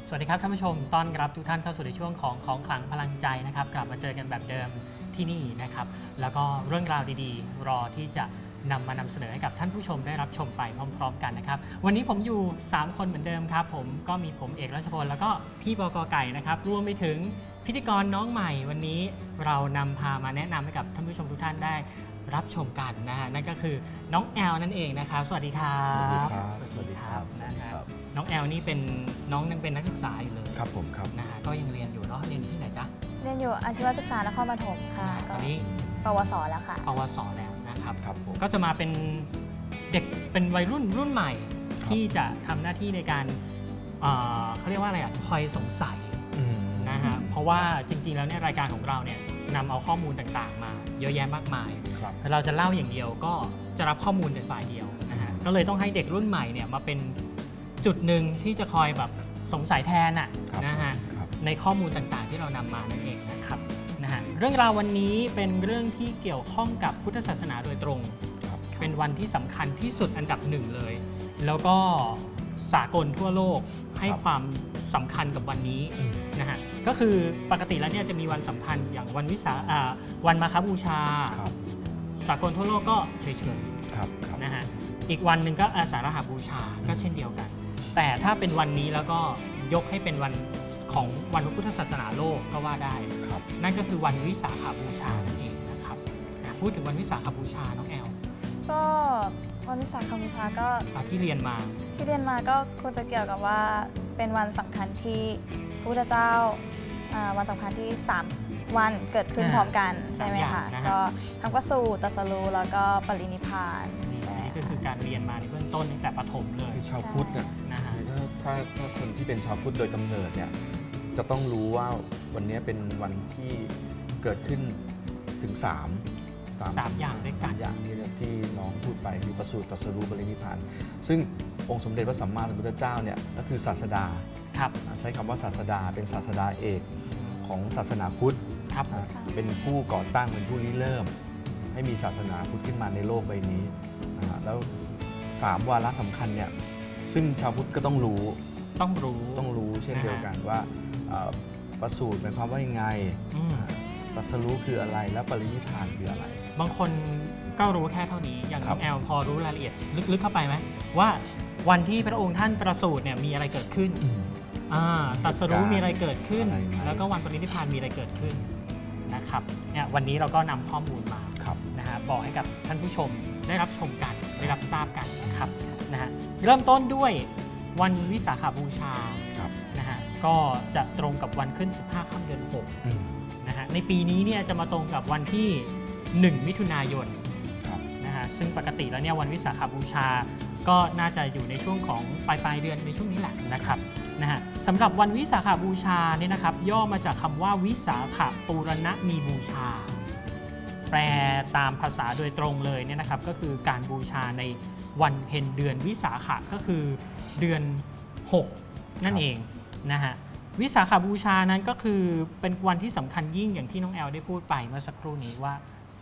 สวัสดีครับท่านผู้ชมต้อนรับทุกท่านเข้าสู่ในช่วงของขลังพลังใจนะครับกลับมาเจอกันแบบเดิมที่นี่นะครับแล้วก็เรื่องราวดีๆรอที่จะมานำเสนอให้กับท่านผู้ชมได้รับชมไปพร้อมๆกันนะครับวันนี้ผมอยู่3คนเหมือนเดิมครับผมก็มีผมเอกรัชพลแล้วก็พี่บก.ไก่นะครับรวมไปถึงพิธีกรน้องใหม่วันนี้เรานำพามาแนะนำให้กับท่านผู้ชมทุกท่านได้รับชมกันนะฮะนั่นก็คือน้องแอลนั่นเองนะครับสวัสดีครับสวัสดีครับน้องแอลนี่เป็นน้องยังเป็นนักศึกษาอยู่เลยครับผมครับนะฮะก็ยังเรียนอยู่เนาะเรียนที่ไหนจ๊ะเรียนอยู่อาชีวศึกษานครปฐมค่ะตอนนี้ปวสแล้วค่ะปวสแล้วนะครับครับผมก็จะมาเป็นเด็กเป็นวัยรุ่นใหม่ที่จะทำหน้าที่ในการเขาเรียกว่าอะไรอ่ะคอยสงสัยนะฮะเพราะว่าจริงๆแล้วเนี่ยรายการของเราเนี่ยนำเอาข้อมูลต่างๆมาเยอะแยะมากมายเราจะเล่าอย่างเดียวก็จะรับข้อมูลเป็นฝ่ายเดียวนะฮะก็เลยต้องให้เด็กรุ่นใหม่เนี่ยมาเป็นจุดหนึ่งที่จะคอยแบบสงสัยแทนอ่ะนะฮะในข้อมูลต่างๆที่เรานำมานั่นเองนะครับนะฮะเรื่องราววันนี้เป็นเรื่องที่เกี่ยวข้องกับพุทธศาสนาโดยตรงเป็นวันที่สำคัญที่สุดอันดับหนึ่งเลยแล้วก็สากลทั่วโลกให้ความสำคัญกับวันนี้นะฮะก็คือปกติแล้วเนี่ยจะมีวันสำคัญอย่างวันมาฆบูชาสากลทั่วโลกก็เฉยๆนะฮะอีกวันหนึ่งก็อาสาฬหบูชาก็เช่นเดียวกันแต่ถ้าเป็นวันนี้แล้วก็ยกให้เป็นวันของวันพระพุทธศาสนาโลกก็ว่าได้นั่นก็คือวันวิสาขบูชานั่นเองนะครับพูดถึงวันวิสาขบูชาน้องแอลก็วันวิสาขบูชาก็ที่เรียนมาก็คงจะเกี่ยวกับว่าเป็นวันสำคัญที่พระพุทธเจ้าวันสำคัญที่3วันเกิดขึ้นพร้อมกันใช่ไหมคะก็ทั้งประสูติตรัสรู้แล้วก็ปรินิพพานนี่ก็คือการเรียนมาในเบื้องต้นตั้งแต่ประถมเลยชาวพุทธเนี่ยนะฮะถ้าคนที่เป็นชาวพุทธโดยกำเนิดเนี่ยจะต้องรู้ว่าวันนี้เป็นวันที่เกิดขึ้นถึง3 อย่างด้วยกันอย่างที่น้องพูดไปคือประสูติตรัสรู้ปรินิพพานซึ่งองค์สมเด็จพระสัมมาสัมพุทธเจ้าเนี่ยก็คือศาสดาใช้คำว่าศาสดาเป็นศาสดาเอกของศาสนาพุทธเป็นผู้ก่อตั้งเป็นผู้ริเริ่มให้มีศาสนาพุทธขึ้นมาในโลกใบนี้แล้ว3วาระสำคัญเนี่ยซึ่งชาวพุทธก็ต้องรู้เช่นเดียวกันว่าประสูติหมายความว่ายังไงตรัสรู้คืออะไรแล้วปรินิพพานคืออะไรบางคนก็รู้แค่เท่านี้อย่างน้องแอลพอรู้รายละเอียดลึกๆเข้าไปไหมว่าวันที่พระองค์ท่านประสูติเนี่ยมีอะไรเกิดขึ้นตรัสรู้มีอะไรเกิดขึ้นแล้วก็วันปรินิพพานมีอะไรเกิดขึ้นนะครับเนี่ยวันนี้เราก็นำข้อมูลมานะฮะบอกให้กับท่านผู้ชมได้รับชมกันได้รับทราบกันนะครับนะฮะเริ่มต้นด้วยวันวิสาขบูชานะฮะก็จะตรงกับวันขึ้น15ค่ำเดือน6นะฮะในปีนี้เนี่ยจะมาตรงกับวันที่1มิถุนายนนะฮะซึ่งปกติแล้วเนี่ยวันวิสาขบูชาก็น่าจะอยู่ในช่วงของปลายเดือนในช่วงนี้แหละนะครับนะฮะสำหรับวันวิสาขบูชาเนี่ยนะครับย่อมาจากคำว่าวิสาขปูรณมีบูชาแปลตามภาษาโดยตรงเลยเนี่ยนะครับก็คือการบูชาในวันเพ็ญเดือนวิสาขะก็คือเดือน6นั่นเองนะฮะวิสาขบูชานั้นก็คือเป็นวันที่สำคัญยิ่งอย่างที่น้องแอลได้พูดไปเมื่อสักครู่นี้ว่า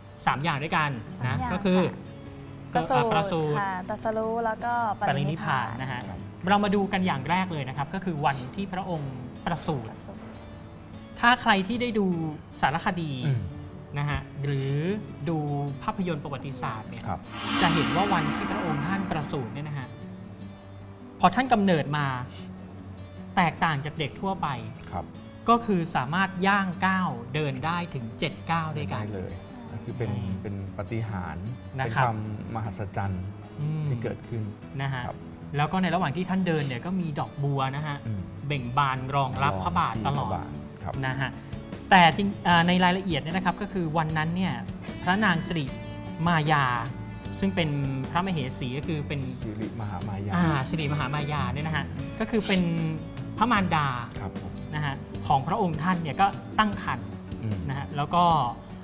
3อย่างด้วยกันนะก็คือประสูติตรัสรู้แล้วก็ปรินิพพานนะฮะเรามาดูกันอย่างแรกเลยนะครับก็คือวันที่พระองค์ประสูติถ้าใครที่ได้ดูสารคดีนะฮะหรือดูภาพยนตร์ประวัติศาสตร์เนี่ยจะเห็นว่าวันที่พระองค์ท่านประสูติเนี่ยนะฮะพอท่านกำเนิดมาแตกต่างจากเด็กทั่วไปก็คือสามารถย่างก้าวเดินได้ถึง7ก้าวด้วยกันเลยคือเป็นปาฏิหาริย์เป็นความมหัศจรรย์ที่เกิดขึ้นนะฮะแล้วก็ในระหว่างที่ท่านเดินเนี่ยก็มีดอกบัวนะฮะเบ่งบานรองรับพระบาทตลอดนะฮะแต่ในรายละเอียดเนี่ยนะครับก็คือวันนั้นเนี่ยพระนางสิริมายาซึ่งเป็นพระมเหสีก็คือเป็นสิริมหามายาสิริมหามายาเนี่ยนะฮะก็คือเป็นพระมารดานะฮะของพระองค์ท่านเนี่ยก็ตั้งครรภ์นะฮะแล้วก็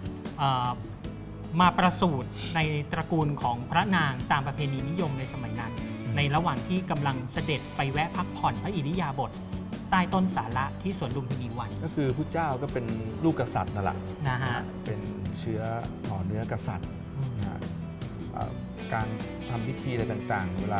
มาประสูติในตระกูลของพระนางตามประเพณีนิยมในสมัยนั้นในระหว่างที่กำลังเสด็จไปแวะพักผ่อนพระอิริยาบถใต้ต้นสาระที่สวนลุมพินีวันก็คือพระเจ้าก็เป็นลูกกษัตริย์นั่นแหละนะฮะเป็นเชื้อห่อเนื้อกษัตริย์การทำพิธีอะไรต่างๆเวลา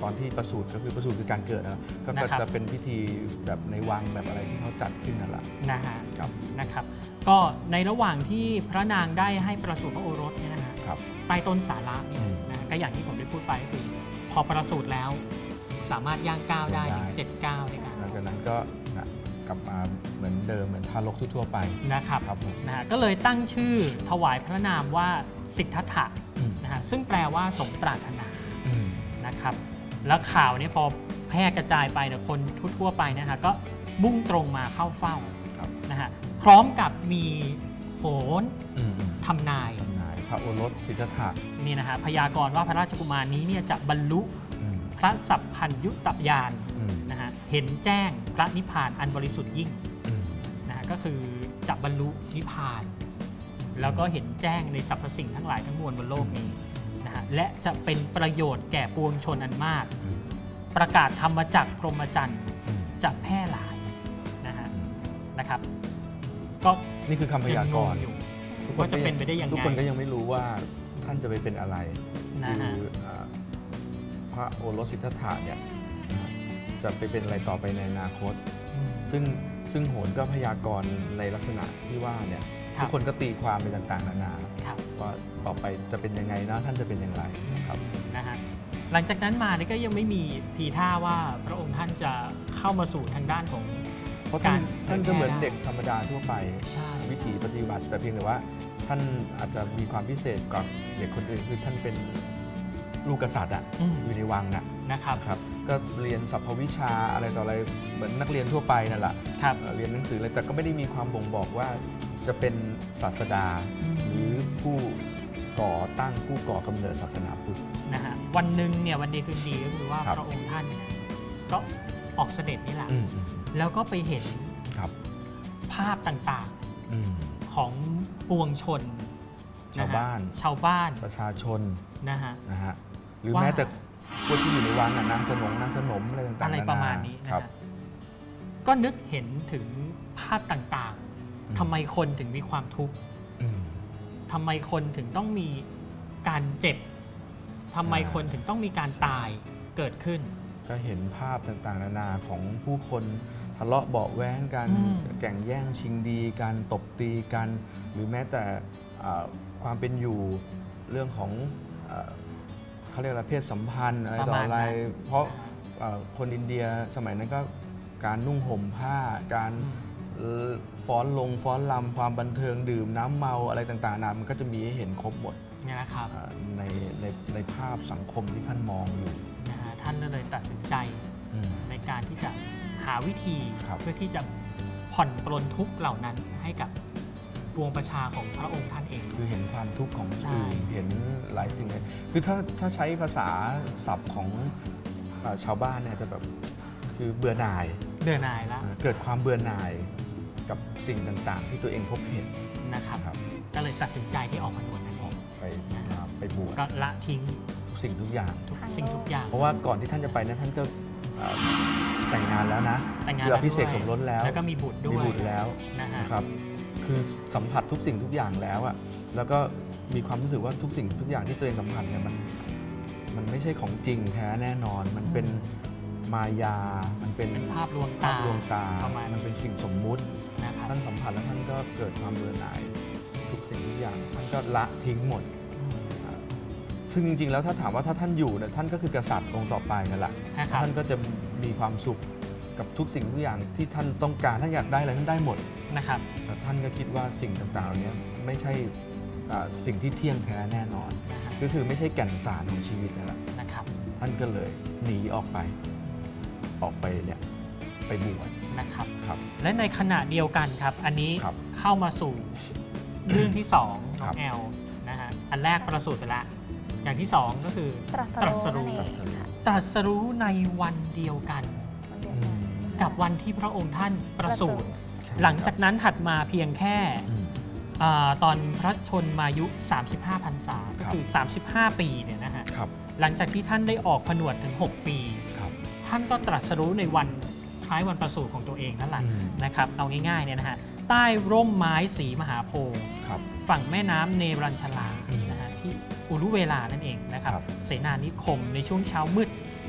ตอนที่ประสูติก็คือประสูติคือการเกิดนะก็นะครับจะเป็นพิธีแบบในวังแบบอะไรที่เขาจัดขึ้นนั่นแหละนะฮะครับนะครับก็ในระหว่างที่พระนางได้ให้ประสูติพระโอรสเนี่ยนะฮะครับใต้ต้นสาระเนี่ยอืมนะก็อย่างที่ผมได้พูดไปก็คือพอประสูติแล้วสามารถย่างก้าวได้ถึงได้ 7 ก้าวในการหลังจากนั้นก็นะกลับมาเหมือนเดิมเหมือนทารกทั่วๆไปนะครับครับผมนะฮะก็เลยตั้งชื่อถวายพระนามว่าสิทธัตถะอืมนะฮะซึ่งแปลว่าสมปรารถนาอืมนะครับแล้วข่าวนี้พอแพร่กระจายไปเนี่ยคนทั่วๆไปนะฮะก็มุ่งตรงมาเข้าเฝ้าครับนะฮะพร้อมกับมีโหนอืมทำนายทำนายพระโอรสสิทธัตถะนี่นะฮะพยากรณ์ว่าพระราชกุมารนี้เนี่ยจะบรรลุอืมพระสัพพัญญุตญาณอืมนะฮะเห็นแจ้งพระนิพพานอันบริสุทธิ์ยิ่งอืมนะฮะก็คือจะบรรลุนิพพาน แล้วก็เห็นแจ้งในสรรพสิ่งทั้งหลายทั้งมวลบนโลกนี้นะฮะและจะเป็นประโยชน์แก่ปวงชนอันมากอืมประกาศธรรมจักรพรหมจรรย์อืมจะแพร่หลายนะฮะอืมนะครับ ก็นี่คือคำพยากรณ์งงอยู่ทุกว่าจะเป็นไปได้ยังไงทุกคนก็ยังไม่รู้ว่าท่านจะไปเป็นอะไรนะคืฮะพระโอรสสิทธัตถะเนี่ยจะไปเป็นอะไรต่อไปในอนาคต ซึ่งโหนก็พยากรณ์ในลักษณะที่ว่าเนี่ยครัทุบกคนก็ตีความไปต่างๆนานาครับว่าต่อไปจะเป็นยังไงนะท่านจะเป็นอย่างไรครับนะฮะหลังจากนั้นมาเนี่ยก็ยังไม่มีทีท่าว่าพระองค์ท่านจะเข้ามาสู่ทางด้านของเพราะท่านการก็เหมือนเผยแพร่เด็กธรรมดาทั่วไปใช่วิถีปฏิบัติแต่เพียงแต่ว่าท่านอาจจะมีความพิเศษกว่าเด็กคนอื่นคือท่านเป็นลูกกษัตริย์อะอืมอยู่ในวังน่ะนะครับครับก็เรียนสรรพวิชาอะไรต่ออะไรเหมือนนักเรียนทั่วไปนั่นแหละครับเรียนหนังสืออะไรแต่ก็ไม่ได้มีความบ่งบอกว่าจะเป็นศาสดา หรือผู้ก่อตั้งผู้ก่อกำเนิดศาสนาพุทธนะฮะวันหนึ่งเนี่ยวันดีคืนดีก็คือว่าครับพระองค์ท่านเนี่ยก็ออกเสด็จนี่แหละอืมแล้วก็ไปเห็นครับภาพต่างอืมๆของปวงชนชาวบ้านะฮะชาวบ้านประชาชนนะฮะนะฮะหรือว่าแม้แต่พวกที่อยู่ในวังน่ะนางสนมอะไรต่างๆอะไรนนประมาณนี้นะครัฮะบก็นึกเห็นถึงภาพต่างอืมๆทำไมคนถึงมีความทุกข์อืมทำไมคนถึงต้องมีการเจ็บทำไมคนถึงต้องมีการตายเกิดขึ้นก็เห็นภาพต่างๆนานาของผู้คนทะเลาะเบาะแว้งกันอืมแข่งแย่งชิงดีกันตบตีกัน หรือแม้แต่ความเป็นอยู่เรื่องของเขาเรียกอะไรเพศสัมพันธ์อะไรต่ออะไร เพราะคนอินเดียสมัยนั้นก็การนุ่งห่มผ้าการ ฟ้อนลำความบันเทิงดื่มน้ำเมาอะไรต่างๆนานามันก็จะมีให้เห็นครบหมดเนี่ยนะครับในภาพสังคมที่ท่านมองอยู่นะฮะท่านก็เลยตัดสินใจอืมในการที่จะหาวิธีครับเพื่อที่จะผ่อนปลนทุกข์เหล่านั้นให้กับปวงประชาของพระองค์ท่านเองคือเห็นความทุกข์ของใช่อื่นเห็นหลายสิ่งเลยคือถ้าใช้ภาษาศัพท์ของชาวบ้านเนี่ยจะแบบคือเบื่อหน่ายเบื่อหน่ายแล้วเกิดความเบื่อหน่ายกับสิ่งต่างๆ ที่ตัวเองพบเห็นนะครับครับก็เลยตัดสินใจที่ออกผนวดนั่นเองไปบวชก็ละทิ้งทุกสิ่งทุกอย่างทุกสิ่งทุกอย่างเพราะว่าก่อนที่ท่านจะไปนะท่านก็แต่งงานแล้วนะแต่งงานคือแล้วอภิเษกด้วยสมรสแล้วแล้วก็มีบุตรด้วยมีบุตรแล้วนะฮะนะครับ คือสัมผัสทุกสิ่งทุกอย่างแล้วอะแล้วก็มีความรู้สึกว่าทุกสิ่งทุกอย่างที่ตัวเองสัมผัสเนี่ยมันไม่ใช่ของจริงแท้แน่นอน มันเป็นมายา มันเป็นเป็นภาพลวงภาตาพลวงตาประมาณมันเป็นสิ่งสมมุตินะครับท่านสัมผัสแล้วท่านก็เกิดความเบื่อหน่ายทุกสิ่งทุกอย่าง ท่านก็ละทิ้งหมด ซึ่งจริงๆ แล้วถ้าถามว่าถ้าท่านอยู่เนี่ยท่านก็คือกษัตริย์องค์ต่อไปนั่นแหละนะครับท่านก็จะมีความสุขกับทุกสิ่งทุกอย่างที่ท่านต้องการท่านอยากได้อะไรท่านได้หมดนะครับแต่ท่านก็คิดว่าสิ่งต่างๆเหล่านี้ไม่ใช่สิ่งที่เที่ยงแท้แน่นอนนะฮะก็คือไม่ใช่แก่นสารของชีวิตนั่นแหละนะครับท่านก็เลยหนีออกไปเนี่ยไปบวชนะครับครับและในขณะเดียวกันครับ อันนี้ครับเข้ามาสู่เรื่องที่2น้ครัองบแอลนะฮะอันแรกประสูติไปแล้วอย่างที่2ก็คือตรัสรู้ตรัสรู้นั่นเองค่ะตรัสรู้ในวันเดียวกันวันเดียวอืกันมกับวันที่พระองค์ท่านประสูติใช่หลังจากนั้นถัดมาเพียงแค่อืมตอนพระชนมายุ 35 พรรษาก็คือ 35 ปีเนี่ยนะฮะครับหลังจากที่ท่านได้ออกผนวดถึง 6 ปีครับท่านก็ตรัสรู้ในวันคล้ายวันประสูติของตัวเองนั่นแหละอืมนะครับเอาง่ายๆเนี่ยนะฮะใต้ร่มไม้สีมหาโพธิ์ครับฝั่งแม่น้ำเนรัญชลาอืมนะฮะที่อุรุเวลานั่นเองนะครับครับเสนานิคมในช่วงเช้ามืด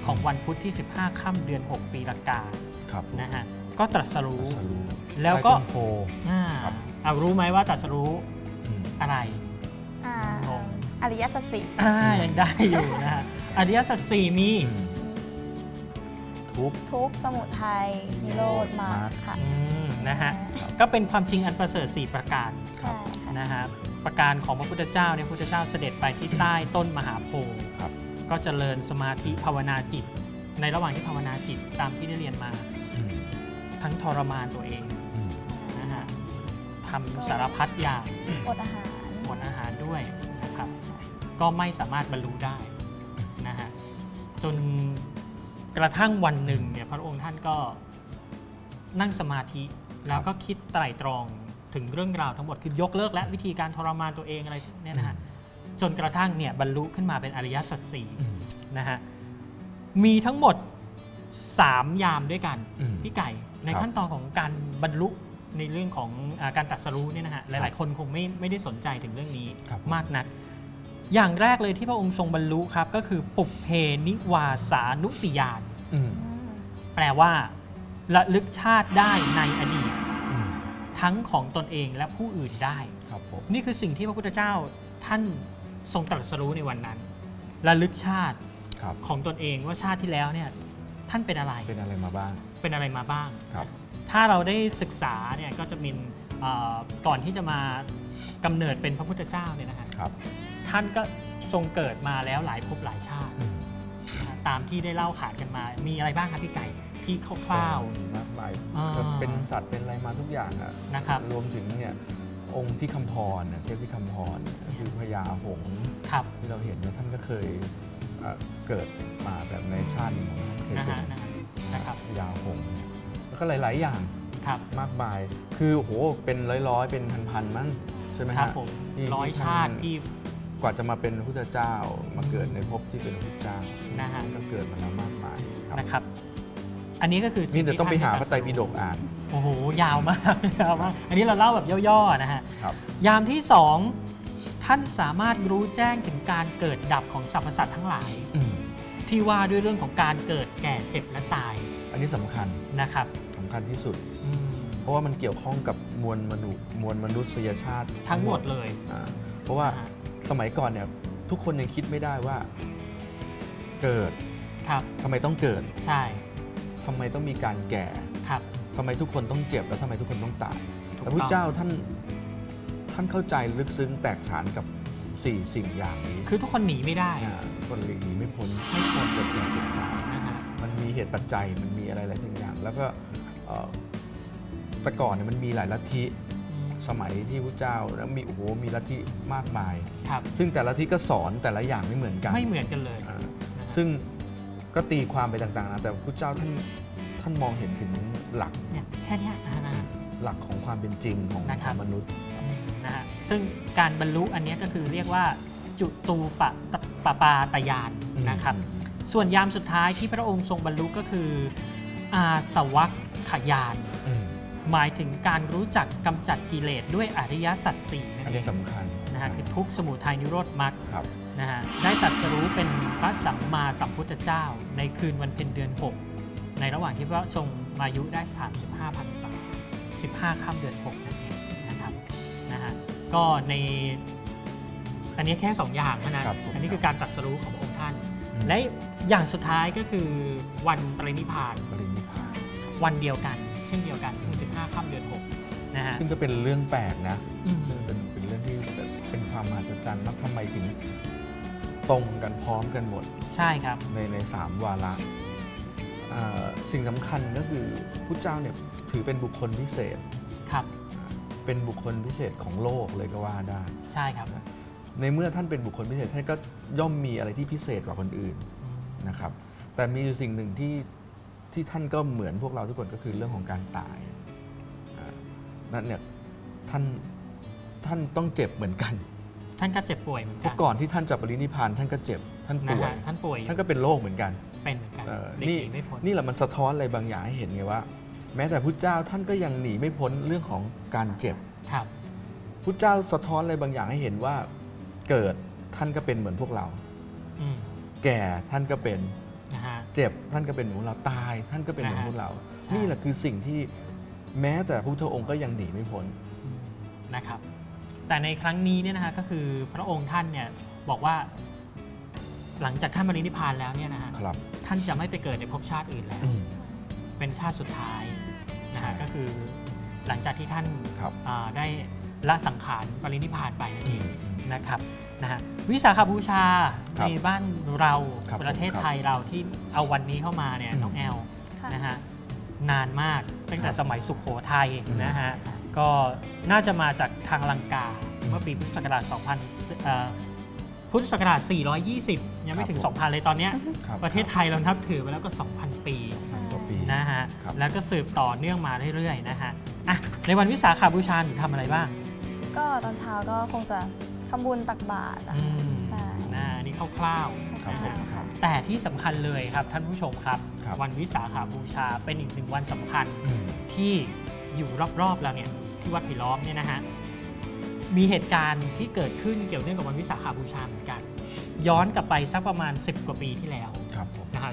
ของวันพุธที่ 15 ค่ำเดือน 6 ปีละกาครับนะฮะก็ตรัสรู้ตรัสรู้แล้วก็ใต้ต้นโพ ครับเอารู้ไหมว่าตรัสรู้อืมอะไรอ่างงอริยสัจสี่ยังได้อยู่นะฮะอริยสัจสี่มีทุกข์ทุกข์สมุทัยนิโรธมรรคค่ะนะฮะก็เป็นความจริงอันประเสริฐ4ประการใช่ค่ะนะฮะประการของพระพุทธเจ้าเนี่ยพระพุทธเจ้าเสด็จไปที่ใต้ต้นมหาโพธิ์ครับก็เจริญสมาธิภาวนาจิต ในระหว่างที่ภาวนาจิตตามที่ได้เรียนมาอืมทั้งทรมานตัวเองอืมนะฮะทำสารพัดอย่างอดอาหารอดอาหารด้วยนะครับก็ไม่สามารถบรรลุได้นะฮะจนกระทั่งวันหนึ่งเนี่ยพระองค์ท่านก็นั่งสมาธิแล้วก็คิดไตร่ตรองถึงเรื่องราวทั้งหมดคือยกเลิกและวิธีการทรมานตัวเองอะไรเนี่ยนะฮะจนกระทั่งเนี่ยบรรลุขึ้นมาเป็นอริยสัจสี่อืมนะฮะมีทั้งหมด 3 ยามด้วยกันอืมพี่ไก่ในครับขั้นตอนของการบรรลุในเรื่องของการตรัสรู้เนี่ยนะฮะหครัลายบๆ คนคงไม่ได้สนใจถึงเรื่องนี้ครับมากนัก อย่างแรกเลยที่พระองค์ทรงบรรลุครับก็คือปุพเพนิวาสานุติญาณอืมแปลว่าระลึกชาติได้ในอดีตอืมทั้งของตนเองและผู้อื่นได้ครับผมนี่คือสิ่งที่พระพุทธเจ้าท่านทรงตรัสรู้ในวันนั้นระลึกชาติครับของตนเองว่าชาติที่แล้วเนี่ยท่านเป็นอะไรเป็นอะไรมาบ้างเป็นอะไรมาบ้างครับถ้าเราได้ศึกษาเนี่ยก็จะมีก่อนที่จะมากำเนิดเป็นพระพุทธเจ้าเนี่ยนะฮะครับท่านก็ทรงเกิดมาแล้วหลายภพหลายชาติอืมนะฮะตามที่ได้เล่าขานกันมา มีอะไรบ้างครับพี่ไก่ที่คร่าวมีมากมายอ่าเป็นสัตว์เป็นอะไรมาทุกอย่างอะนะครับรวมถึงเนี่ยองค์ที่คำพรเทพที่คำพรก็คือพญาหงส์ๆครับที่เราเห็นเนี่ยท่านก็เคยเกิดมาแบบในชาติของท่านเคยนะเป็ฮะนนะครับพญาหงส์แล้วก็หลาย ๆ อย่างครับมากมาย คือโอ้โหเป็นร้อยๆ เป็นพันๆมั้งใช่ไหมครัฮะบผมที่ร้อยที่ชาติที่กว่าจะมาเป็นพระพุทธเจ้า มาเกิดในภพที่เป็นพระพุทธเจ้านะฮะก็เกิดมาแล้วมากมายครับนะครับ อันนี้ก็คือนี่เดี๋ยวต้องไปหาพสิ่ระไตรปิฎกอ่านโอ้โหยาวมาก ยาวมาก อันนี้เราเล่าแบบย่อๆนะฮะครับยามที่ 2 ท่านสามารถรู้แจ้งถึงการเกิดดับของสรรพสัตว์ทั้งหลายอืมที่ว่าด้วยเรื่องของการเกิดแก่เจ็บและตายอันนี้สำคัญนะครับสำคัญที่สุดอืมเพราะว่ามันเกี่ยวข้องกับมวลมนุษยชาติทั้งหมดเลยเพราะว่าอ่าสมัยก่อนเนี่ยทุกคนยังคิดไม่ได้ว่าเกิดครับทำไมต้องเกิดใช่ทำไมต้องมีการแก่ครับทำไมทุกคนต้องเจ็บแล้วทำไมทุกคนต้องตายถูกแต่พระต้องเจ้าท่านเข้าใจลึกซึ้งแตกฉานกับ4 สิ่งอย่างนี้คือทุกคนหนีไม่ได้คนหลีกหนีไม่พ้นไม่พ้นเกิดแก่เจ็บตายนะฮะมันมีเหตุปัจจัยมันมีอะไรหลายสิ่งอย่าง แล้วก็แต่ก่อนเนี่ยมันมีหลายลัทธิอืมสมัยที่พระเจ้าแล้วมีโอ้โหมีลัทธิมากมายครับซึ่งแต่ละลัทธิก็สอนแต่ละอย่างไม่เหมือนกันไม่เหมือนกันเลยอ่านะฮะซึ่งก็ตีความไปต่างๆนะแต่พระเจ้าท่านมองเห็นถึงหลักเนี่ยแค่เนี้ยนะฮะหลักของความเป็นจริงของนะครับมนุษย์นะฮะซึ่งการบรรลุอันเนี้ยก็คือเรียกว่าจุตูปปาตยานนะครับ ส่วนยามสุดท้ายที่พระองค์ทรงบรรลุก็คืออาสวัคขยานอืมหมายถึงการรู้จักกำจัดกิเลสด้วยอริยสัจสี่นั่นอันเอนี้งสำคัญนะฮะคือทุกข์สมุทัยนิโรธมรรคครับนะฮะได้ตรัสรู้เป็นพระสัมมาสัมพุทธเจ้า ในคืนวันเพ็ญเดือน 6 ในระหว่างที่พระทรงมายุได้ 35 พรรษา 15 ค่ำเดือน 6 นั่นเองนะครับนะฮะก็ในอันนี้แค่ 2 อย่างเท่านั้นครับผมอันนี้คือการตรัสรู้ของพระองค์ท่านอืมและอย่างสุดท้ายก็คือวันปรินิพพานปรินิพพานวันเดียวกัน เช่นเดียวกันคือ15 ค่ำเดือน 6 นะฮะซึ่งก็เป็นเรื่องแปลกนะอืมซึ่งเป็นเรื่องที่เป็นความมหัศจรรย์แล้วทำไมถึงตรงกันพร้อมกันหมดใช่ครับใน3 วาระสิ่งสำคัญก็คือพระเจ้าเนี่ยถือเป็นบุคคลพิเศษครับเป็นบุคคลพิเศษของโลกเลยก็ว่าได้ใช่ครับในเมื่อท่านเป็นบุคคลพิเศษท่านก็ย่อมมีอะไรที่พิเศษกว่าคนอื่นอืมนะครับ แต่มีอยู่สิ่งหนึ่งที่ท่านก็เหมือนพวกเราทุกคนก็คือเรื่องของการตายนั่นเนี่ยท่านต้องเจ็บเหมือนกันท่านก็เจ็บป่วยเหมือนเพกัราะก่อนที่ท่านจะปรินิพพานท่านก็เจ็บท่านนะป่วยฮะท่านป่วยอยู่ท่านก็เป็นโรคเหมือนกันเป็นเหมือนกันเออหลีกนี่หนีไม่พ้นนี่แหละมันสะท้อนอะไรบางอย่างให้เห็นไงว่า แม้แต่พุทธเจ้าท่านก็ยังหนีไม่พ้นเรื่องของการเจ็บครับพุทธเจ้าสะท้อนอะไรบางอย่างให้เห็นว่าเกิดท่านก็เป็นเหมือนพวกเราอืมแก่ท่านก็เป็นนะฮะเจ็บท่านก็เป็นเหมือนพวกเราตายท่านก็เป็นเหมือนพวกเราใช่นี่แหละคือสิ่งที่แม้แต่พระพุทธองค์ก็ยังหนีไม่พ้นนะครับแต่ในครั้งนี้เนี่ยนะฮะก็คือพระองค์ท่านเนี่ยบอกว่าหลังจากท่านปรินิพพานแล้วเนี่ยนะฮะครับท่านจะไม่ไปเกิดในภพชาติอื่นแล้วอืมเป็นชาติสุดท้ายนะใช่ฮะก็คือหลังจากที่ท่านครับได้ละสังขารปรินิพพานไปนั่นอืเองมนะครับนะฮะวิสาขบูชาครัในบบ้านเราครับประเทศผมครับไทยเราที่เอาวันนี้เข้ามาเนี่ยอืมน้องแอลค่ะนะฮะนานมากตั้งแต่ครับสมัยสุโขทัยอืมนะฮะก็น่าจะมาจากทางลังกาอืมเมื่อปีพุทธศักราชพุทธศักราช 420 ยังไม่ถึงครับผม 2,000 เลยตอนเนี้ยครับประเทศไทยเรานับถือมาแล้วก็ 2,000 ปี 2,000 กว่าปีนะฮะครับแล้วก็สืบต่อเนื่องมาเรื่อยๆนะฮะอ่ะในวันวิสาขบูชาหนูทำอะไรบ้างก็ตอนเช้าก็คงจะทำบุญตักบาตรนะคะ ใช่นะอันนี้คร่าวครับๆผนะมฮะครับแต่ที่สำคัญเลยครับท่านผู้ชมครับครับวันวิสาขบูชาเป็นอีกหนึ่งวันสำคัญอืมที่อยู่รอบๆเราเนี่ยที่วัดไผ่ล้อมเนี่ยนะฮะมีเหตุการณ์ที่เกิดขึ้นเกี่ยวเนื่องกับวันวิสาขบูชาเหมือนกัน ย้อนกลับไปสักประมาณ 10 กว่าปีที่แล้วครับผมนะฮะ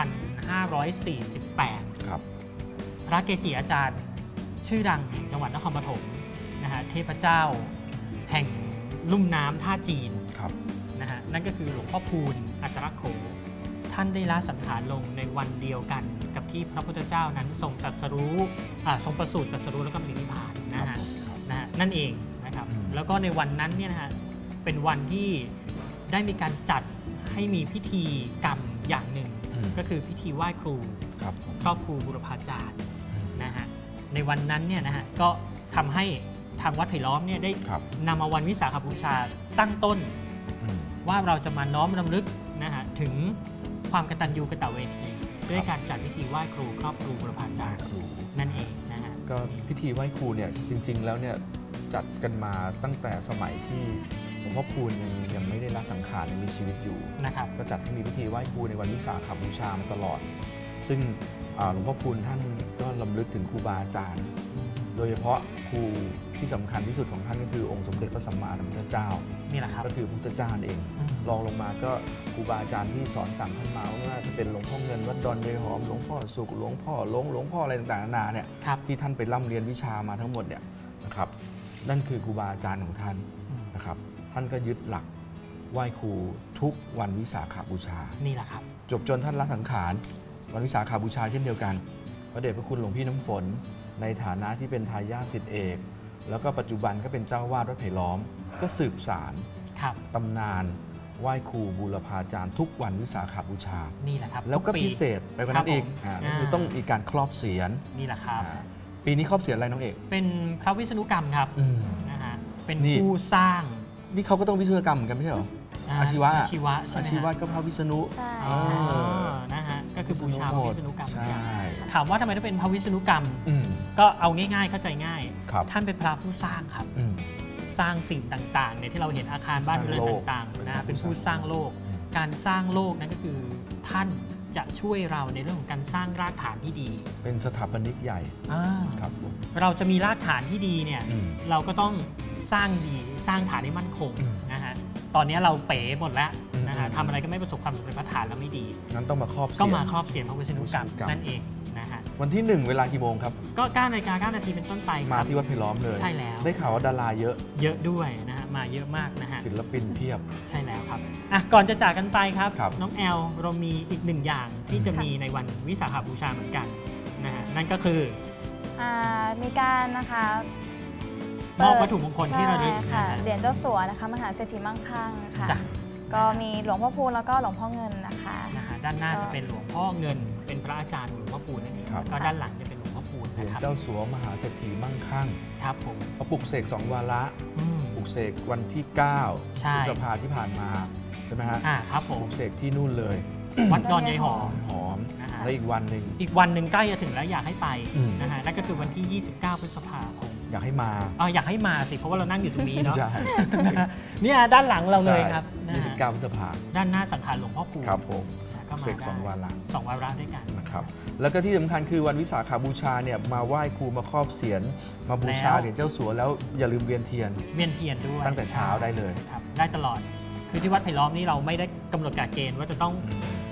2548 ครับพระเกจิอาจารย์ชื่อดังแห่งจังหวัดนครปฐมนะฮะเทพเจ้าแห่งลุ่มน้ำท่าจีนครับนะฮะนั่นก็คือหลวงพ่อพูนอัตรโขท่านได้ละสังขารลงในวันเดียวกันกับที่พระพุทธเจ้านั้นทรงตรัสรู้ทรงประสูติตรัสรู้แล้วก็ปรินิพพานครันะบฮะผมครับนะฮะนั่นเองนะครับอืมแล้วก็ในวันนั้นเนี่ยนะฮะเป็นวันที่ได้มีการจัดให้มีพิธีกรรมอย่างหนึ่งอืมก็คือพิธีไหว้ครูครับผมครอบครูบุรพาจารย์อืมนะฮะในวันนั้นเนี่ยนะฮะก็ทำให้ทางวัดไผ่ล้อมเนี่ยได้ครับนำมาวันวิสาขบูชาตั้งต้นอืมว่าเราจะมาน้อมรำลึกนะฮะถึงความกตัญญูกตเวทีด้วยการจัดพิธีไหว้ครูครอบครูบุรพาจารย์ครูนั่นเองนะฮะก็พิธีไหว้ครูเนี่ยจริง ๆ แล้วเนี่ยจัดกันมาตั้งแต่สมัยที่หลวงพ่อพูนยังไม่ได้ละสังขารยังมีชีวิตอยู่นะครับก็จัดให้มีพิธีไหว้ครูในวันวิสาขบูชามาตลอด ซึ่งหลวงพ่อพูนท่านก็รำลึกถึงครูบาอาจารย์ โดยเฉพาะครูที่สำคัญที่สุดของท่านก็คือองค์สมเด็จพระสัมมาสัมพุทธเจ้านี่แหละครับก็คือพระพุทธเจ้านั่นเอง รองลงมาก็ครูบาอาจารย์ที่สอนสั่งท่านมาว่าจะเป็นหลวงพ่อเงินวัดดอนยายหอมหลวงพ่อสุขหลวงพ่อหลวงพ่ออะไรต่างๆนานาเนี่ยครับที่ท่านไปร่ำเรียนวิชามาทั้งหมดเนี่ยนะครับนั่นคือครูบาอาจารย์ของท่านนะครับท่านก็ยึดหลักไหว้ครูทุกวันวิสาขบูชานี่แหละครับจบจนท่านละสังขารวันวิสาขบูชาเช่นเดียวกันพระเดชพระคุณหลวงพี่น้ำฝนในฐานะที่เป็นทายาทศิษย์เอกแล้วก็ปัจจุบันก็เป็นเจ้าวาดวัดไผ่ล้อม ก็สืบสารครับตำนานไหว้ครูบูรพาจารย์ทุกวันวิสาขบูชานี่แหละครับแล้วก็ทุปีพิเศษไปกว่านั้นอีกครับผมก็คือต้องมีการครอบเสียรนี่แหละครับปีนี้ครอบเสียรอะไรน้องเอกเป็นพระวิษณุกรรมครับนะฮะเป็นนี่ผู้สร้างนี่เขาก็ต้องวิศวกรรมเหมือนกันไม่ใช่เหรอ อาชีวะอาชีวะใช่อาไหมชีวะฮะก็พระวิษณุใช่อ๋อเออนะฮะก็คือบูชาพระวิษณุกรรมใช่ถามว่าทำไมต้องเป็นพระวิษณุกรรมอืมก็เอาง่ายๆเข้าใจง่ายครับท่านเป็นพระผู้สร้างครับอืมสร้างสิ่งต่างๆเนี่ยที่เราเห็นอาคารบ้านเรือนต่างๆนะเป็นผู้สร้างโลก การสร้างโลกนั้นก็คือท่านจะช่วยเราในเรื่องของการสร้างรากฐานที่ดีเป็นสถาปนิกใหญ่อ่าครับผมเราจะมีรากฐานที่ดีเนี่ยอืมเราก็ต้องสร้างดีสร้างฐานให้มั่นคงอืมนะฮะตอนนี้เราเป๋หมดแล้วนะฮะอืมทำอะไรก็ไม่ประสบความสำเร็จเพราะฐานเราไม่ดีงั้นต้องมาครอบเสียรก็มาครอบเสียรพระวิษณุกรรมวิษณุกรรมนั่นเองนะฮะวันที่ 1 เวลากี่โมงครับก็9 นาฬิกา 9 นาทีเป็นต้นไปคมารับที่วัดไผ่ล้อมเลยใช่แล้วได้ข่าวว่าดาราเยอะเยอะด้วยนะฮะมาเยอะมากนะฮะศิลปินเพียบใช่แล้วครับอ่ะก่อนจะจากกันไปครับครับน้องแอลเรามีอีกหนึ่งอย่างที่จะมีในวันวิสาขบูชาเหมือนกันนะฮะนั่นก็คือมีการนะคะมอบวัตถุมงคลที่ระลึกใช่ค่ะนะฮะเหรียญเจ้าสัวนะคะมหาเศรษฐีมั่งคั่งค่ะจ้ะก็มีหลวงพ่อพูนแล้วก็หลวงพ่อเงินนะคะนะฮะด้านหน้าจะเป็นหลวงพ่อเงิน เป็นพระอาจารย์หลวงพ่อปูนนั่นเองครับแล้วก็ด้านหลังจะเป็นหลวงพ่อปูนเหรียญนะครับเจ้าสัวมหาเศรษฐีมั่งคั่งครับผมเขาปลุกเสก2 วาระอืมปลุกเสกวันที่ 9 ใช่พฤษภาที่ผ่านมาใช่ไหมฮะครับผปมลุกเสกที่นู่นเลยวัดดอนยายหอมหอมนะฮะแล้วอีกวันหนึ่งอีกวันหนึ่งใกล้จะถึงแล้วอยากให้ไปอืมนะฮะนั่นก็คือวันที่ 29 พฤษภาคมอยากให้มาอยากให้มาสิเพราะว่าเรานั่งอยู่ตรงนี้เนาะใช่นะฮะเนี่ยด้านหลังเราเลยครับนะฮะ 29 พฤษภาด้านหน้าสังขารหลวงพ่อปูนครับผมนะก็มาเสกได้ 2 วาระสองวาระด้วยกันนะครับ แล้วก็ที่สำคัญคือวันวิสาขบูชาเนี่ยมาไหว้ครูมาครอบเสียรมาบูชาแล้วเหรียญเจ้าสัวแล้วอย่าลืมเวียนเทียนเวียนเทียนด้วยตั้งแต่เช้าได้เลยครับได้ตลอดคือที่วัดไผ่ล้อมนี่เราไม่ได้กำหนดกฎเกณฑ์ว่าจะต้อง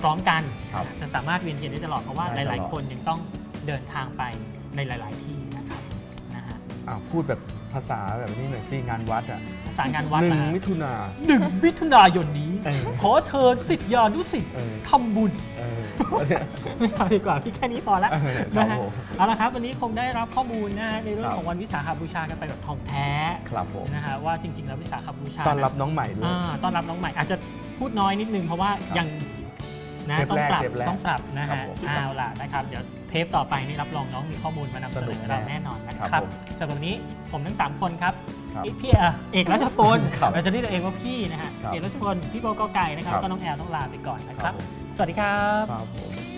พร้อมกันครับจะสามารถเวียนเทียนได้ตลอดเพราะว่าได้ตลอดหลาย ๆ คนยังต้องเดินทางไปในหลาย ๆ ที่นะครับนะฮะพูดแบบภาษาแบบนี้หน่อยสิงานวัดอ่ะภาษางานวัดหนึ่งนะฮะมิถุนา 1 มิถุนายนนี้เออขอเชิญศิษยานุศิษย์เออทำบุญ ไม่เอาดีกว่าพี่แค่นี้พอละครันะบฮะผมเอาละครับวันนี้คงได้รับข้อมูลนะฮะในเรื่องครับของวันวิสาขบูชากันไปแบบท่องแท้ครับผมนะฮะว่าจริง ๆ แล้ววิสาขบูชาต้อนรับน้องใหม่ด้วยต้อนรับน้องใหม่อาจจะพูดน้อยนิดนึงเพราะว่าครับยังนะเทปต้องแรกปรับเทปแรกต้องปรับนะครัฮะบผมเอาล่ะนะครับเดี๋ยวเทปต่อไปนี่รับรองน้องมีข้อมูลมานำเสสนนุอกแน่เราแน่นอนนะคครัรับบผมสำหรับวันนี้ผมทั้ง3คนครับครับพี่เอกรัชพลครับเราจะเรียกตัวเองว่าพี่นะฮะครับเอกรัชพลพี่โบก็ไก่นะครับครับแล้วก็น้องแอลต้องลาไปก่อนนะคครัรับบ ผมสวัสดีครับครับผม